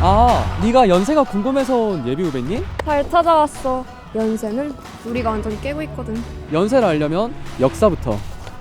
아, 네가 연세가 궁금해서 온 예비 후배님? 잘 찾아왔어. 연세는 우리가 완전 깨고 있거든. 연세를 알려면 역사부터.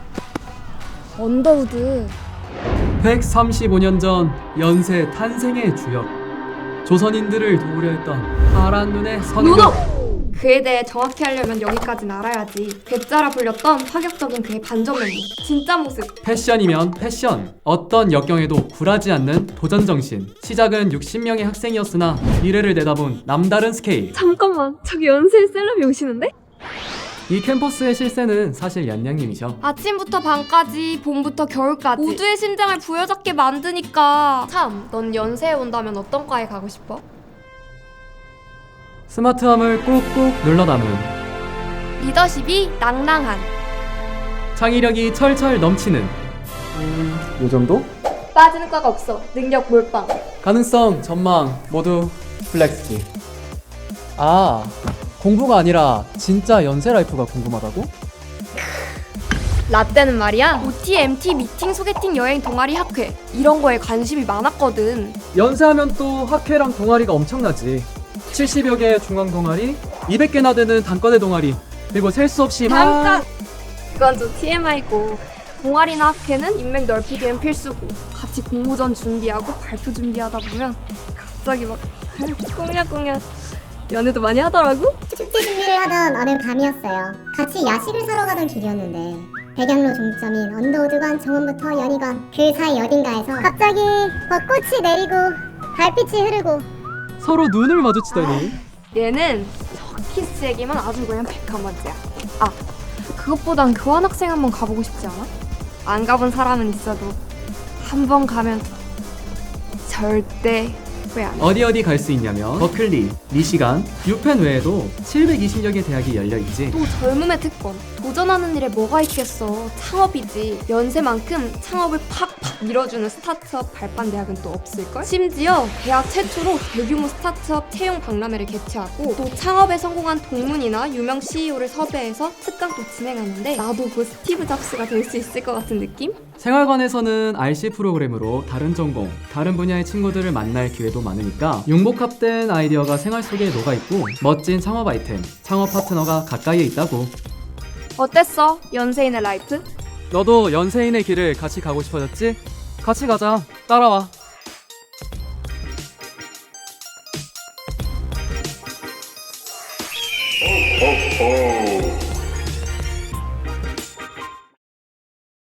언더우드. 135년 전 연세 탄생의 주역, 조선인들을 도우려 했던 파란 눈의 선교. 그에 대해 정확히 하려면 여기까지는 알아야지. 괴짜라 불렸던 파격적인 그의 반전 면모. 진짜 모습. 패션이면 패션, 어떤 역경에도 굴하지 않는 도전 정신. 시작은 60명의 학생이었으나 미래를 내다본 남다른 스케일. 잠깐만, 저기 연세의 셀럽이 오시는데? 이 캠퍼스의 실세는 사실 얀양님이셔. 아침부터 밤까지, 봄부터 겨울까지 모두의 심장을 부여잡게 만드니까. 참, 넌 연세에 온다면 어떤 과에 가고 싶어? 스마트함을 꾹꾹 눌러 담은, 리더십이 낭낭한, 창의력이 철철 넘치는, 요 정도? 빠지는 과가 없어. 능력 몰빵. 가능성, 전망 모두 플렉스키. 아, 공부가 아니라 진짜 연세 라이프가 궁금하다고? 라떼는 말이야, OT, MT, 미팅, 소개팅, 여행, 동아리, 학회 이런 거에 관심이 많았거든. 연세하면 또 학회랑 동아리가 엄청나지. 70여 개의 중앙 동아리, 200개나 되는 단과대 동아리, 그리고 셀 수 없이 잠깐! 그건 좀 TMI고, 동아리나 학회는 인맥 넓히기엔 필수고, 같이 공모전 준비하고 발표 준비하다 보면 갑자기 막 꽁냥꽁냥 연애도 많이 하더라고? 축제 준비를 하던 어느 밤이었어요. 같이 야식을 사러 가던 길이었는데 백양로 종점인 언더우드관 정원부터 연희관 그 사이 어딘가에서 갑자기 벚꽃이 내리고 달빛이 흐르고 서로 눈을 마주치다니. 얘는 저 키스에게만 아주 그냥 백화만지야. 아, 그것보단 교환학생 한번 가보고 싶지 않아? 안 가본 사람은 있어도 한 번 가면 절대 후회 안 해. 어디 갈 수 있냐면 버클리, 미시간, 유펜 외에도 720여 개 대학이 열려있지. 또 젊음의 특권. 도전하는 일에 뭐가 있겠어. 창업이지. 연세만큼 창업을 팍팍 밀어주는 스타트업 발판 대학은 또 없을걸? 심지어 대학 최초로 대규모 스타트업 채용 박람회를 개최하고 또 창업에 성공한 동문이나 유명 CEO를 섭외해서 특강도 진행하는데 나도 그 스티브 잡스가 될 수 있을 것 같은 느낌? 생활관에서는 RC 프로그램으로 다른 전공, 다른 분야의 친구들을 만날 기회도 많으니까 융복합된 아이디어가 생활 속에 녹아있고 멋진 창업 아이템, 창업 파트너가 가까이에 있다고. 어땠어? 연세인의 라이프? 너도 연세인의 길을 같이 가고 싶어졌지? 같이 가자. 따라와.